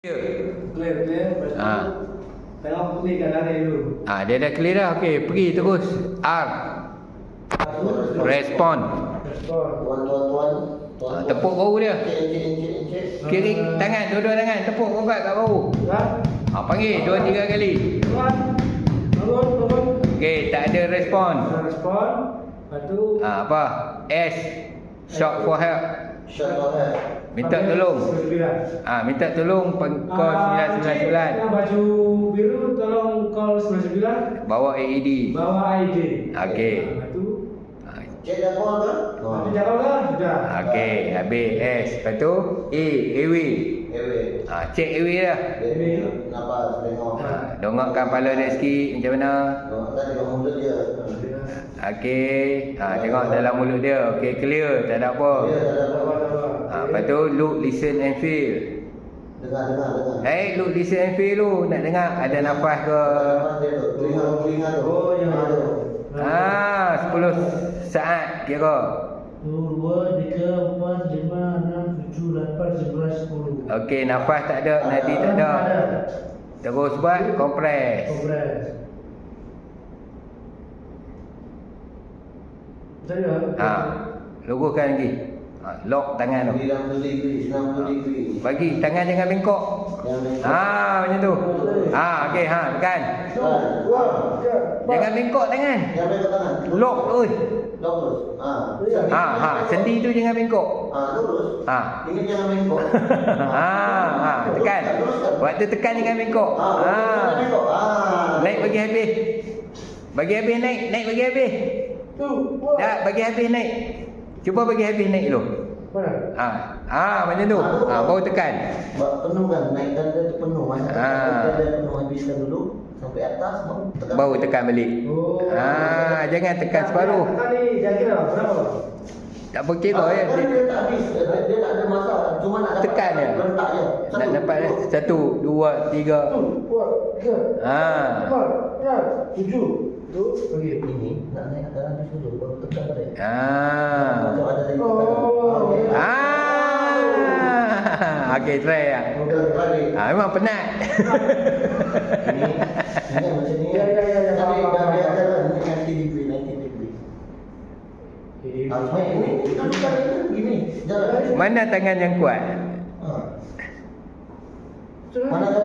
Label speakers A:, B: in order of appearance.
A: Clear. Lepas tu tengok clearkan hari dulu.
B: Dia dah clear dah. Okey, pergi terus. R. Respon.
C: Tuan.
B: Tepuk bahu dia.
C: Encik.
B: Kiri tangan, dua-dua tangan tepuk kuat kat bahu. Panggil 2-3 kali.
A: Bangun.
B: Okey, tak ada respon.
A: Respon. Lepas tu
B: Apa? S. Shout for help.
C: Shot for help.
B: Minta tolong.
A: 99.
B: Minta tolong call 999.
A: Yang baju biru tolong call 99.
B: Bawa AED.
A: Bawa ID.
B: Okey.
A: Lepas tu
C: Cik dah call ke?
A: nanti jawab lah. Sudah.
B: Okey, habis S. Lepas tu A. Airway. Cek airway dah.
C: Nafas, tengok.
B: Dongakkan kepala dia sikit macam mana.
C: Kan tengok mulut dia.
B: Okey. Tengok dalam mulut dia. Okey, clear. Tak ada apa.
C: Ya, dah ada apa.
B: Lepas tu look, listen and feel.
C: Dengar.
B: Look, listen and feel tu. Nak dengar ada nafas ke?
C: Nafas dia tu. Telinga tu.
A: Oh, yang
C: tu.
B: 10 saat kira.
A: 1, 2, 3, 4, 5, 6, 7, 8, 11, 10.
B: Okey, nafas tak ada, nadi tak ada. Terus buat kompres.
A: Kompres. Saya.
B: Luruskan lagi. Lock tangan tu.
C: 90 degree, 90 degree.
B: Bagi tangan jangan bengkok. Macam tu. Okey, tekan. Jangan bengkok tangan.
C: Yang bengkok tangan.
B: Lock terus.
C: Lock terus.
B: Sendi tu jangan bengkok.
C: Lurus. Ini jangan bengkok.
B: Tekan. Waktu tekan jangan bengkok.
C: Jangan bengkok.
B: Naik bagi habis. Bagi habis naik bagi habis. Dah bagi habis naik. Cuba bagi habis naik dulu.
A: Mana?
B: Macam tu. Baru tekan.
C: Penuh kan, naikkan dia tu penuh. Naikkan dia penuh, habiskan dulu sampai atas
B: Baru tekan balik. Jangan tekan separuh.
A: Tadi dah kira berapa?
B: Tak apa kira ya.
C: Dia tak habis, dia tak ada masalah. Cuma nak dapat
B: Tekan je.
C: Rentak je.
B: Nak dapat 1, 2, 3.
A: 7. Tu bagi.
C: Ini nak naik ke atas dulu, baru tekan balik. Macam ada lagi
B: Okey, try ya. Memang penat.
C: Ini macam ni. Tapi dah biasa lah, 90 degree. Ini gini. Jalan.
B: Mana tangan yang kuat?
C: Mana